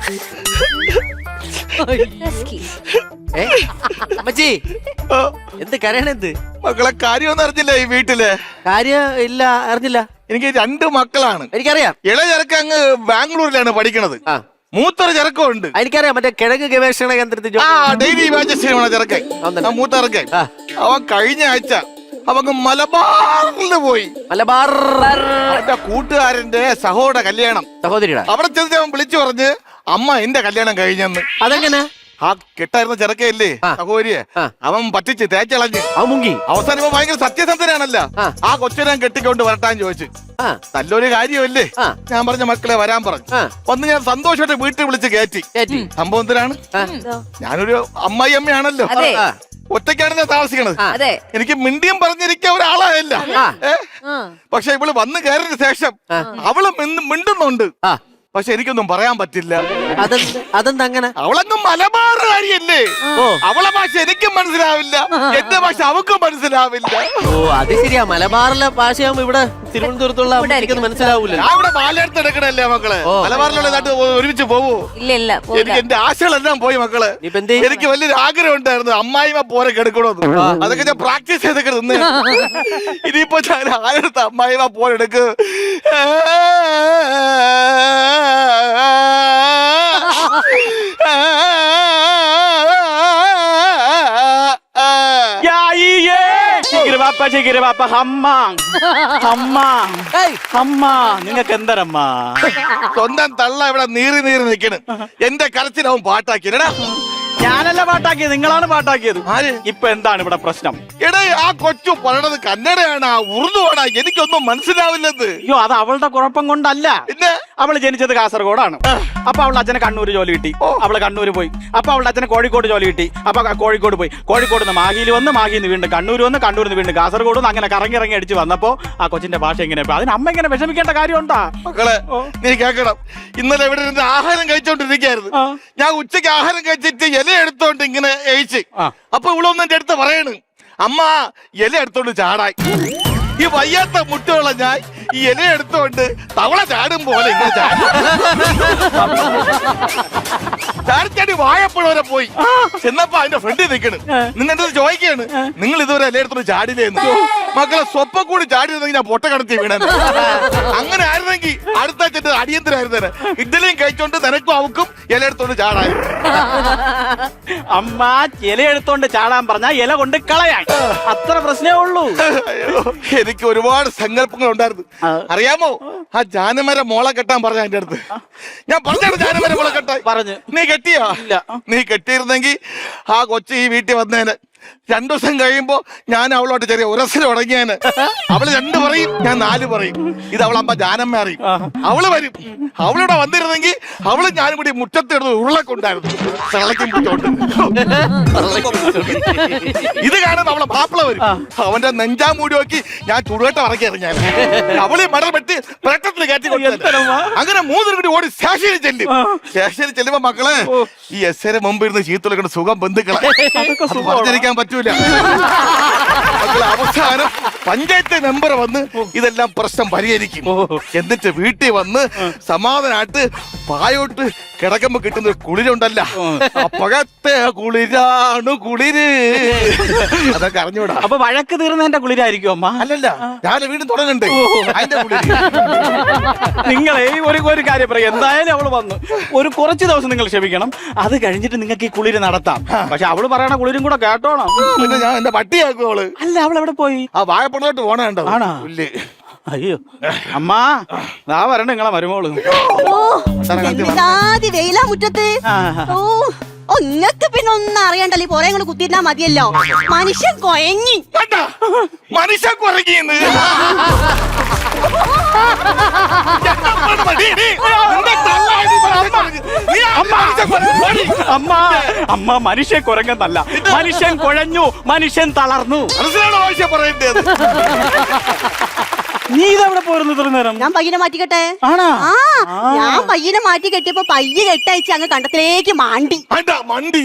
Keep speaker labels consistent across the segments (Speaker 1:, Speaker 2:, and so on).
Speaker 1: അമ്മച്ചി എന്ത് കരയണെന്ത്?
Speaker 2: മക്കളെ കാര്യമൊന്നും അറിഞ്ഞില്ല ഈ വീട്ടില്.
Speaker 1: കാര്യം ഇല്ല, അറിഞ്ഞില്ല.
Speaker 2: എനിക്ക് 2 മക്കളാണ്.
Speaker 1: എനിക്കറിയാം.
Speaker 2: ഇളയ ചെറുക്ക അങ്ങ് ബാംഗ്ലൂരിലാണ് പഠിക്കണത്. മൂത്തൊരു ചെറുക്കമുണ്ട്.
Speaker 1: എനിക്കറിയാം, മറ്റേ കിഴങ്ങ് ഗവേഷണ കേന്ദ്രത്തിൽ
Speaker 2: ഡെയിലി ചെറുക്കൻ മൂത്ത ചെറുക്കൻ. അവൻ കഴിഞ്ഞ ആഴ്ച അവങ്ങ് മലബാറിൽ പോയി.
Speaker 1: മലബാർ
Speaker 2: എന്റെ കൂട്ടുകാരന്റെ സഹോദര കല്യാണം.
Speaker 1: സഹോദരിയുടെ
Speaker 2: അവിടെ ചെന്നിട്ട് അവൻ വിളിച്ചു പറഞ്ഞ് അമ്മ എന്റെ കല്യാണം കഴിഞ്ഞെന്ന്.
Speaker 1: അതെങ്ങനെ?
Speaker 2: ആ കെട്ടായിരുന്ന ചെറുക്കല്ലേ സഹോദരിയെ അവൻ പറ്റിച്ച് തേച്ചളഞ്ഞ്
Speaker 1: അവൻ മുങ്ങി.
Speaker 2: അവസാനം ഇവൻ ഭയങ്കര സത്യസന്ധനാണല്ലോ. ആ കൊച്ചിനെ കെട്ടിക്കൊണ്ട് വരട്ടാൻ ചോദിച്ചു. നല്ലൊരു കാര്യമല്ലേ? ഞാൻ പറഞ്ഞ മക്കളെ വരാൻ പറഞ്ഞു. വന്ന് ഞാൻ സന്തോഷമായിട്ട് വീട്ടിൽ വിളിച്ച് കയറ്റി. സംഭവം എന്തിനാണ്? ഞാനൊരു അമ്മായിയമ്മയാണല്ലോ, ഒറ്റയ്ക്കാണ് ഞാൻ താമസിക്കണത്. എനിക്ക് മിണ്ടിയും പറഞ്ഞിരിക്കാൻ ഒരാളായല്ല. പക്ഷെ ഇവള് വന്ന് കയറിയ ശേഷം അവള് മിണ്ടുന്നുണ്ട്. പക്ഷെ എനിക്കൊന്നും പറയാൻ പറ്റില്ല.
Speaker 1: അതെന്താ അങ്ങനെ?
Speaker 2: അവളങ്ങ് മലബാറുകാരിയല്ലേ. അവളെ ഭാഷ എനിക്കും മനസ്സിലാവില്ല, എന്റെ ഭാഷ അവക്കും മനസ്സിലാവില്ല.
Speaker 1: ഓ അത് ശരിയാ, മലബാറിലെ ഭാഷയാകുമ്പോ ഇവിടെ തിരുവനന്തപുരത്തുള്ള മനസ്സിലാവൂല.
Speaker 2: ഞാൻ ഇവിടെ പാലെടുത്ത് എടുക്കണല്ലേ മക്കളെ. മലബാറിലുള്ള നാട്ട് ഒരുമിച്ച് പോവൂ?
Speaker 3: ഇല്ല,
Speaker 2: എനിക്ക് എന്റെ ആശകളെല്ലാം പോയി മക്കളെ. എനിക്ക് വലിയൊരു ആഗ്രഹം ഉണ്ടായിരുന്നു അമ്മായിമ്മ പോരെ കെടുക്കണോന്ന്. അതൊക്കെ ഞാൻ പ്രാക്ടീസ് ചെയ്തൊക്കെ നിന്ന്. ഇനിയിപ്പോ ഞാൻ ആരെടുത്ത് അമ്മായിമ്മ പോരെ എടുക്ക്.
Speaker 4: നിങ്ങക്ക് എന്തരമ്മ?
Speaker 2: സ്വന്തം തള്ള ഇവിടെ നീറി നിൽക്കണ്. എന്റെ കരച്ചിലാവും പാട്ടാക്കിയടാ.
Speaker 4: ഞാനല്ല പാട്ടാക്കിയത്, നിങ്ങളാണ് പാട്ടാക്കിയത്. ഇപ്പൊ എന്താണ് ഇവിടെ പ്രശ്നം?
Speaker 2: എടേ ആ കൊച്ചു പറയണത് കന്നഡയാണ്, ഉറുദുവാണ്, എനിക്കൊന്നും മനസ്സിലാവില്ലത്.
Speaker 4: അയ്യോ അത് അവളുടെ കുഴപ്പം കൊണ്ടല്ല.
Speaker 2: പിന്നെ
Speaker 4: അവള് ജനിച്ചത് കാസർഗോഡാണ്. അപ്പൊ അവളുടെ അച്ഛനെ കണ്ണൂര് ജോലി കിട്ടി. അവള് കണ്ണൂര് പോയി. അപ്പൊ അവളുടെ അച്ഛനെ കോഴിക്കോട് ജോലി കിട്ടി. അപ്പൊ കോഴിക്കോട് പോയി. കോഴിക്കോട് നിന്ന് മാഹിയിൽ വന്ന്, മാഹിയിൽ നിന്ന് വീണ്ടും കണ്ണൂർ വന്ന്, കണ്ണൂരിൽ നിന്ന് വീണ്ടും കാസർഗോഡ് വന്ന്, അങ്ങനെ കറങ്ങി അടിച്ച് വന്നപ്പോ ആ കൊച്ചിന്റെ ഭാഷ എങ്ങനെ? അതിന് അമ്മ ഇങ്ങനെ വിഷമിക്കേണ്ട കാര്യമുണ്ടാ?
Speaker 2: മക്കളെ നീ കേക്കണം, ഇന്നലെ ഇവിടെ ഇരുന്ന് ആഹാരം കഴിച്ചോണ്ടിരിക്കായിരുന്നു. ഞാൻ ഉച്ചയ്ക്ക് ആഹാരം കഴിച്ചിട്ട് ഇല എടുത്തോണ്ട് ഇങ്ങനെ എഴിച്ച്. അപ്പൊ ഇവളൊന്നും എന്റെ അടുത്ത് പറയണ്, അമ്മ ഇല എടുത്തോണ്ട് ചാടായി. ഈ വയ്യാത്ത മുട്ടുള്ള ഞാൻ ഈ ഇല എടുത്തോണ്ട് തവള ചാടും പോലെ ഇങ്ങനെ ചാടി വാഴപ്പുഴ വരെ പോയി. ചെന്നപ്പോ അതിന്റെ ഫ്രണ്ടിൽ നിൽക്കണ്. നിന്നെ ചോദിക്കാണ്, നിങ്ങൾ ഇതുവരെ ഇല എടുത്തോണ്ട് ചാടില്ലേന്ന്. മക്കളെ സ്വപ്പം കൂടി ചാടിയിരുന്നെങ്കിൽ ഞാൻ പൊട്ട കടത്തി വീണ. അങ്ങനെ ആയിരുന്നെങ്കിൽ അടുത്ത ചെന്ന് അടിയന്തരായിരുന്നേനെ. ഇഡ്ഡലിയും കഴിച്ചോണ്ട് നിനക്കും അവക്കും ഇല എടുത്തോണ്ട് ചാടായി.
Speaker 4: അമ്മ ഇല എടുത്തോണ്ട് ചാടാൻ പറഞ്ഞാ ഇല കൊണ്ട് കളയാൻ, അത്ര പ്രശ്നമേ ഉള്ളൂ.
Speaker 2: എനിക്ക് ഒരുപാട് സങ്കല്പങ്ങൾ ഉണ്ടായിരുന്നു. അറിയാമോ, ആ ജാനമര മോളെ കെട്ടാൻ പറഞ്ഞ എന്റെ അടുത്ത്. ഞാൻ പറഞ്ഞാണ് ജാനമര മോളെ കെട്ടാൻ പറഞ്ഞു. നീ കെട്ടിയാ? ഇല്ല. നീ കെട്ടിയിരുന്നെങ്കിൽ ആ കൊച്ചു ഈ വീട്ടിൽ വന്നേനെ. 2 ദിവസം കഴിയുമ്പോ ഞാൻ അവളോട്ട് ചെറിയ ഉരസൽ തുടങ്ങിയേനെ. അവള് 2 പറയും, ഞാൻ 4 പറയും. ഇത് അവളമ്മ ജാനമ്മ അറിയും. അവള് വരും. അവളിവിടെ വന്നിരുന്നെങ്കിൽ അവള് ഞാനും കൂടി മുറ്റത്തിടുന്ന ഉരുളക്കൊണ്ടായിരുന്നു. ഇത് കാണുമ്പോ അവളെ മാപ്പിള വരും. അവന്റെ നെഞ്ചാ മൂടി നോക്കി ഞാൻ ചുടുകട്ട ഇറക്കിയായിരുന്നു. ഞാൻ അവള് മടൽ വെട്ടി പ്രേട്ടത്തിൽ കയറ്റി കൊടുത്തു. അങ്ങനെ 3 കൂടി ഓടി സ്റ്റേഷനിൽ ചെല്ലും. സ്റ്റേഷനിൽ ചെല്ലുമ്പോ മക്കളെ ഈ എസ് മുമ്പ് ഇരുന്ന് ചീത്തുള്ള സുഖം ബന്ധുക്കളെ പറഞ്ഞിരിക്കാൻ പറ്റൂല. അവസാനം പഞ്ചായത്ത് മെമ്പർ വന്ന് ഇതെല്ലാം പ്രശ്നം പരിഹരിക്കും. എന്നിട്ട് വീട്ടിൽ വന്ന് സമാധാനമായിട്ട് പായോട്ട് കിടക്കുമ്പോ കിട്ടുന്ന ഒരു കുളിരുണ്ടല്ല, അപ്പഴത്തെ കുളിരാണ് കുളിര്. അതൊക്കെ അറിഞ്ഞൂടാ.
Speaker 4: അപ്പൊ വഴക്ക് തീർന്നതിന്റെ കുളിരായിരിക്കും അമ്മ?
Speaker 2: അല്ലല്ല, ഞാൻ വീണ്ടും തുടങ്ങണ്ടേ അതിന്റെ കുളിര്.
Speaker 4: നിങ്ങളെ ഒരു കാര്യം പറയാം, എന്തായാലും അവള് വന്നു കുറച്ച് ദിവസം നിങ്ങൾ ക്ഷമിക്കണം. അത് കഴിഞ്ഞിട്ട് നിങ്ങൾക്ക് ഈ കുളിര് നടത്താം. പക്ഷെ അവള് പറയണ കുളിരും കൂടെ കേട്ടോണം.
Speaker 2: പിന്നെ ഞാൻ എന്റെ പട്ടിയാക്കും അവള്.
Speaker 4: അല്ല, അവൾ എവിടെ പോയി?
Speaker 2: ആ വാഴപ്പുറത്തോട്ട് പോണേണ്ടോ?
Speaker 4: അയ്യോ അമ്മ ദാ വരണ്ട നിങ്ങളെ മരുമോള്.
Speaker 3: വെയിലാ മുറ്റത്ത്. ഓ ഇങ്ങക്ക് പിന്നെ ഒന്നും അറിയണ്ടല്ലോ, ഈ പുറങ്ങൾ കുത്തിയിരുന്നാ മതിയല്ലോ. മനുഷ്യൻ കൊയങ്ങി.
Speaker 2: മനുഷ്യൻ കൊറങ്ങിന്ന്
Speaker 4: അമ്മ മനുഷ്യൻ കുരങ്ങെന്നല്ല, മനുഷ്യൻ കുഴഞ്ഞു, മനുഷ്യൻ തളർന്നു.
Speaker 2: മനസ്സിലാണോ ആവശ്യം പറയേണ്ടത്?
Speaker 4: നീ ഇതെവിടെ പോയിരുന്നു ഇത്ര നേരം?
Speaker 3: ഞാൻ പയ്യനെ മാറ്റിക്കട്ടെ.
Speaker 4: ആണാ?
Speaker 3: ആ ഞാൻ പയ്യനെ മാറ്റി കെട്ടിയപ്പോ പയ്യെ കെട്ടയച്ച് അങ്ങ് കണ്ടത്തിലേക്ക് മാണ്ടി.
Speaker 2: മണ്ടി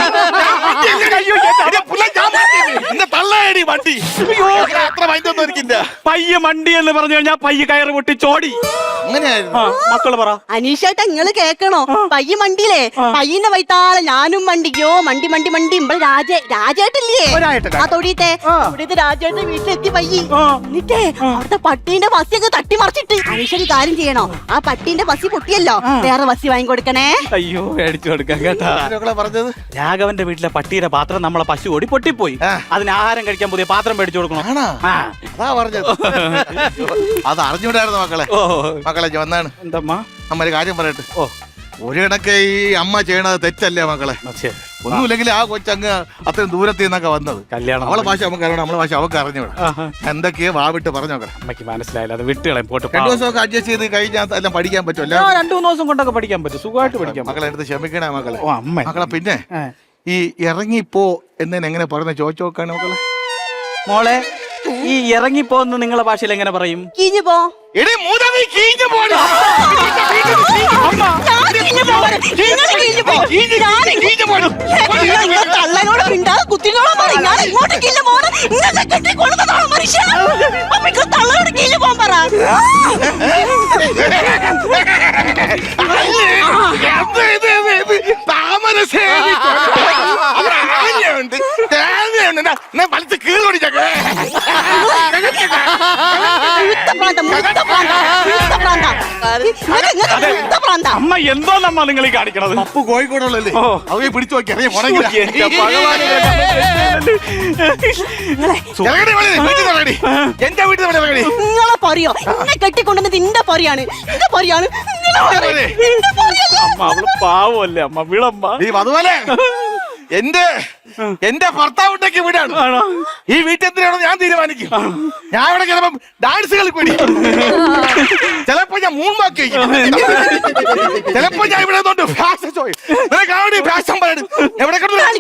Speaker 2: തള്ളയടി വണ്ടി. അത്ര വൈദ്യൊന്നും എനിക്കില്ല.
Speaker 4: പയ്യ മണ്ടി എന്ന് പറഞ്ഞു കഴിഞ്ഞാൽ പയ്യ കയറ് പൊട്ടി ചോടി.
Speaker 2: അങ്ങനെയായിരുന്നു.
Speaker 4: മക്കള് പറ.
Speaker 3: അനീഷേട്ടാ നിങ്ങള് കേക്കണോ? പയ്യ മണ്ടിയില്ലേ, പയ്യന്റെ വൈത്താളെ ഞാനും മണ്ടിക്കോ. മണ്ടി മണ്ടി മണ്ടി ഇവിടെ രാജേട്ടില്ലേ ആ തൊടിയത്തെ രാജേട്ടന്റെ വീട്ടിലെത്തി പയ്യി. എന്നിട്ടേ അവിടുത്തെ പട്ടീന്റെ ബസ്സിയൊക്കെ തട്ടിമറിച്ചിട്ട് അനീഷൊരു കാര്യം ചെയ്യണോ, ആ പട്ടീന്റെ ബസ്സി പൊട്ടിയല്ലോ, വേറെ ബസ്സി വാങ്ങിക്കൊടുക്കണേ.
Speaker 4: അയ്യോ മേടിച്ചു കൊടുക്കാം കേട്ടാ.
Speaker 2: പറഞ്ഞത്
Speaker 4: രാഘവന്റെ വീട്ടിലെ പട്ടിയുടെ പാത്രം നമ്മളെ പശു ഓടി പൊട്ടിപ്പോയി. അതിന് ആഹാരം കഴിക്കാൻ പുതിയ പാത്രം മേടിച്ചു കൊടുക്കണം.
Speaker 2: അതാ പറഞ്ഞത്. അത് അറിഞ്ഞൂടായിരുന്നു മക്കളെ. മക്കളെ വന്നാണ്
Speaker 4: എന്തമ്മാ
Speaker 2: അമ്മ ഒരു കാര്യം പറയട്ടെ. ഒരു കണക്ക് ഈ അമ്മ ചെയ്യണത് തെറ്റല്ലേ മക്കളെ? ഒന്നുമില്ലെങ്കിൽ ആ കൊച്ചങ്ങ് അത്രയും ദൂരത്തിൽ നിന്നൊക്കെ വന്നത്.
Speaker 4: കല്യാണം
Speaker 2: അവളെ ഭാഷ നമുക്ക് അറിയണം, നമ്മളെ ഭാഷ അവർക്ക് അറിഞ്ഞൂടാ. എന്തൊക്കെയോ വാവിട്ട് പറഞ്ഞു നോക്കണം.
Speaker 4: അമ്മയ്ക്ക് മനസ്സിലായില്ല, അത് വിട്ടുകളയും പോട്ട്.
Speaker 2: 2 ദിവസമൊക്കെ അഡ്ജസ്റ്റ് ചെയ്ത് കഴിഞ്ഞാൽ എല്ലാം പഠിക്കാൻ പറ്റുമല്ലോ.
Speaker 4: 2-3 ദിവസം കൊണ്ടൊക്കെ പഠിക്കാൻ പറ്റും, സുഖമായിട്ട് പഠിക്കാം.
Speaker 2: മക്കളെ എടുത്ത് ക്ഷമിക്കണേ മക്കളെ.
Speaker 4: മക്കളെ
Speaker 2: പിന്നെ ഈ ഇറങ്ങിപ്പോ എന്നതിന് എങ്ങനെ പറയുന്നത് ചോദിച്ചു നോക്കാണ് മക്കളെ.
Speaker 4: മോളെ ഈ ഇറങ്ങിപ്പോന്ന് നിങ്ങളെ ഭാഷയിൽ എങ്ങനെ പറയും?
Speaker 3: കീഞ്ഞു പോ. തള്ളനോട് മിണ്ടാതെ കുത്തിനോളം പറ. ഞാൻ ഇങ്ങോട്ട് കീഞ്ഞു പോണ ഇങ്ങനെ കെട്ടിക്കൊള്ളുന്നതാണോ മനുഷ്യ? അമ്മക്ക് തള്ളനോട് കീഞ്ഞു പോകാൻ പറ.
Speaker 4: അമ്മ എന്തോന്നമ്മ നിങ്ങൾ ഈ കാണിക്കണത്?
Speaker 2: അപ്പു കോഴിക്കോടുള്ളല്ലേ, അവയെ പിടിച്ചു നോക്കി അറിയാം. എന്റെ വീട്ടിൽ
Speaker 3: നിങ്ങളെ പറയോ എന്നെ കെട്ടിക്കൊണ്ടുവന്നത് നിന്റെ പറയാണ്, നിന്റെ പറയാണ്.
Speaker 4: അമ്മ അവള് പാവല്ലേ അമ്മ, വിളമ്മ.
Speaker 2: അതുപോലെ എന്റെ ഭർത്താവുണ്ടെങ്കിൽ വീടാണ്. ഈ വീട്ടിൽ എന്തിനാണോ ഞാൻ തീരുമാനിക്കും. ഞാൻ ഇവിടെ ചിലപ്പോ ഡാൻസ് കളിക്കൂടി, ചിലപ്പോ ഞാൻ മൂന്നാക്കി, ചിലപ്പോ ഞാൻ ഇവിടെ ഫാഷൻ ഷോ ഫാഷൻ പറയണം. എവിടെ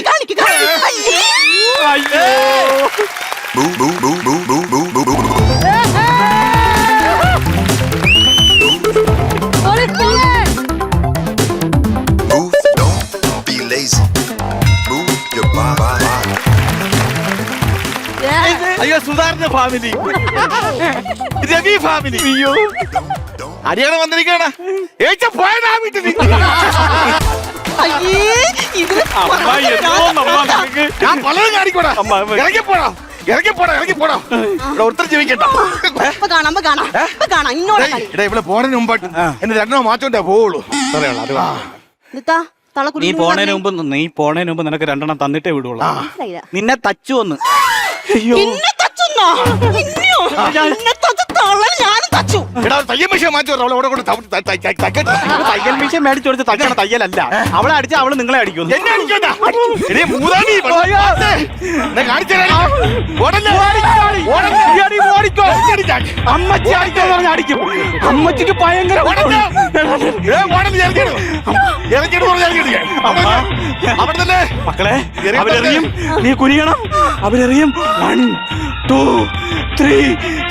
Speaker 2: അയ്യോ സുധാകരന്റെ ഫാമിലി, രവി ഫാമിലി. അയ്യോ അടിയാണ് വന്നിരിക്കണ പോയതാ വീട്ടിൽ. ഞാൻ പലതും കാണിക്കൂടാ. ഇറങ്ങിപ്പോടാ ഇറങ്ങിപ്പോടാ ഒത്തിരി ജീവിക്കട്ടെ. ഇവിടെ പോണതിന് മുമ്പായിട്ട് എന്നെ 2 മാറ്റോണ്ടേ പോവുള്ളൂ.
Speaker 4: നീ പോണേന് മുമ്പ് നിനക്ക് 2 തന്നിട്ടേ വിടുള്ളൂ. നിന്നെ തച്ചു വന്ന്.
Speaker 2: തയ്യൽ മെഷീൻ
Speaker 4: മേടിച്ചു കൊടുത്ത് തയ്ക്കണ തയ്യലല്ല. അവളെ അടിച്ച അവള് നിങ്ങളെ അടിക്കുന്നു. അമ്മച്ചി അടിക്കാന്ന് പറഞ്ഞ അടിക്കും. അമ്മച്ചിക്ക് ഭയങ്കര മക്കളെ അവരെറിയും, നീ കുനിയണം. അവരെറിയും. 1, 2, 3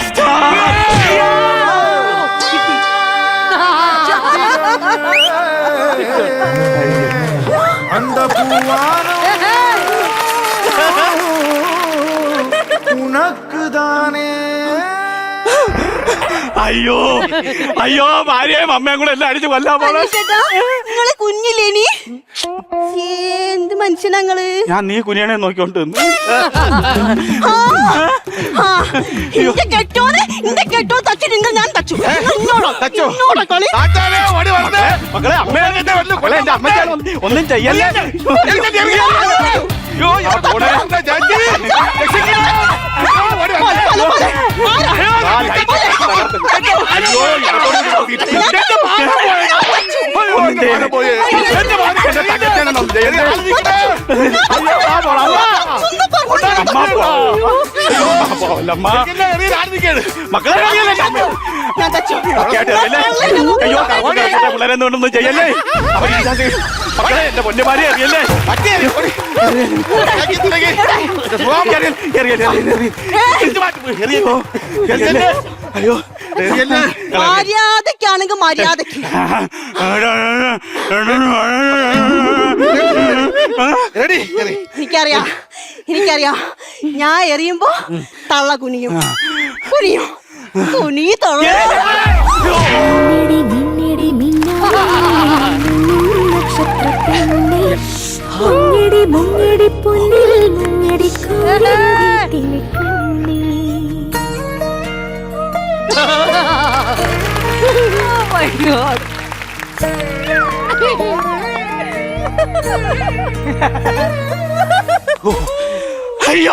Speaker 4: അയ്യോ അയ്യോ ഭാര്യയും അമ്മയും കൂടെ എല്ലാം അടിച്ചു കൊല്ലാൻ പോലെ.
Speaker 3: നിങ്ങളെ കുഞ്ഞില്ലേനി എന്ത് മനുഷ്യനങ്ങള്.
Speaker 4: ഞാൻ നീ കുനിയണേ നോക്കിക്കൊണ്ട്
Speaker 3: കെട്ടോ തച്ചു നിങ്ങൾ ഞാൻ തച്ചു.
Speaker 4: മക്കളെ അമ്മ ഒന്നും ചെയ്യല്ലേ. മക്കളെ പിള്ളേരെന്തുകൊണ്ടൊന്നും ചെയ്യല്ലേ. മക്കളെ എന്റെ പൊന്നുമാരി അറിയല്ലേ. അയ്യോ
Speaker 3: മര്യാദക്കാണെങ്കിൽ മര്യാദക്ക്. എനിക്കറിയാം ഞാൻ എറിയുമ്പോ തള്ള കുനിയും കുനി തള്ള.
Speaker 4: അയ്യോ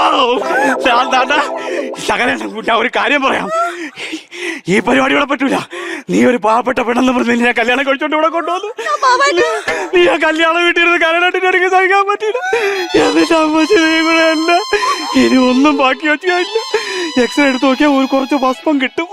Speaker 4: ശകലം ഞാൻ ഒരു കാര്യം പറയാം. ഈ പരിപാടി ഇവിടെ പറ്റൂല. നീ ഒരു പാവപ്പെട്ട പെണ്ണെന്ന് പറഞ്ഞ് ഞാൻ കല്യാണം കഴിച്ചോണ്ട് ഇവിടെ കൊണ്ടുവന്നു. നീ ആ കല്യാണം വീട്ടിലിരുന്ന് കല്യാണത്തിന് ഇടയ്ക്ക് സഹിക്കാൻ പറ്റില്ല. എന്നിട്ട് അമ്മ ഇനി ഒന്നും ബാക്കി വെച്ചില്ല. എക്സ്റേ എടുത്ത് നോക്കിയാൽ ഒരു കുറച്ച് ഭസ്മം കിട്ടും.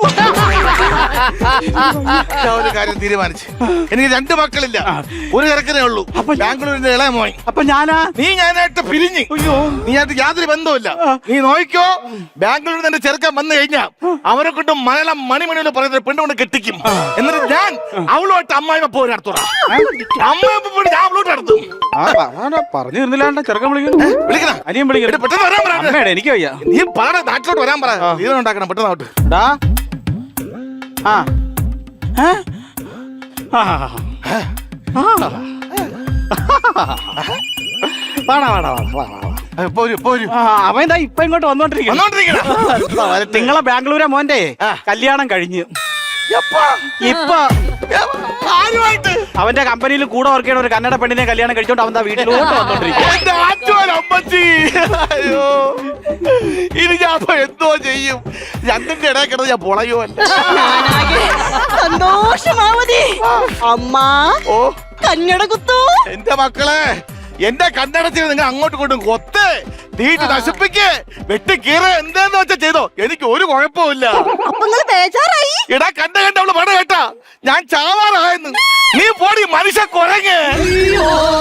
Speaker 2: ഒരു കാര്യം തീരുമാനിച്ചു. എനിക്ക് 2 മക്കളില്ല, ഒരു ചെറുക്കനേ ഉള്ളൂ.
Speaker 4: അപ്പൊ
Speaker 2: ബാംഗ്ലൂരിന്റെ ഇളയ മോൻ.
Speaker 4: അപ്പൊ നീ
Speaker 2: ഞാനായിട്ട് പിരിഞ്ഞ്.
Speaker 4: അയ്യോ
Speaker 2: നീ ആയിട്ട് യാതൊരു ബന്ധവുമില്ല. നീ നോക്കിക്കോ, ബാംഗ്ലൂരിൽ നിന്ന് ചെറുക്കൻ വന്നു കഴിഞ്ഞാ അവനെ കൊണ്ട് മലയാളം മണിമണിയിൽ പറയുന്ന പെണ്ണ് കൊണ്ട് കെട്ടിക്കും. എന്നിട്ട് ഞാൻ അവളുമായിട്ട് അമ്മായിമ്മ പോയി നടത്തുക. അമ്മായിമ്മ പോയി ഞാൻ അവളോട്ട് നടത്തും.
Speaker 4: പറഞ്ഞു തരുന്നില്ല. ചെറുക്കൻ വിളിക്കണം, അനിയൻ വിളിക്കണം.
Speaker 2: പെട്ടെന്ന് വരാൻ പറ.
Speaker 4: എനിക്ക് വയ്യ.
Speaker 2: നീ പാട നാട്ടിലോട്ട് വരാൻ പറ. ജീവൻ ഉണ്ടാക്കണം പെട്ടെന്ന് ആവട്ടെ.
Speaker 4: അവൻ ഇപ്പൊ ഇങ്ങോട്ട് വന്നോണ്ടിരിക്കുന്നു. നിങ്ങളെ ബാംഗ്ലൂരെ മോന്റെ കല്യാണം കഴിഞ്ഞു. ഇപ്പൊ അവന്റെ കമ്പനിയിൽ കൂടെ വർക്ക് ചെയ്യണ ഒരു കന്നഡ പെണ്ണിനെ കല്യാണം കഴിച്ചോണ്ട് അവൻ വീട്ടിലോട്ട് വന്നോണ്ടിരിക്കും.
Speaker 2: ഇനി ഞാൻ എന്തോ ചെയ്യും? 2ന്റെ ഇടയിൽ കിടന്ന് ഞാൻ പൊളയോ അല്ല.
Speaker 3: സന്തോഷമാവതി അമ്മ. ഓ കന്നഡ കുത്തു.
Speaker 2: എന്റെ മക്കളെ, എന്റെ കണ്ണടച്ചിൽ നിങ്ങൾ അങ്ങോട്ടും ഇങ്ങോട്ടും കൊത്ത് തീട്ട് നശിപ്പിക്ക് വെട്ടി കീറ എന്താന്ന് വെച്ചാ ചെയ്തോ, എനിക്ക് ഒരു കുഴപ്പമില്ല.
Speaker 3: ബേജാറായി
Speaker 2: ഇടാ കണ്ട അവള് പട കേട്ടാ ഞാൻ ചാവാറായെന്ന്. നീ പോടി മനുഷ്യ കുരങ്ങ്.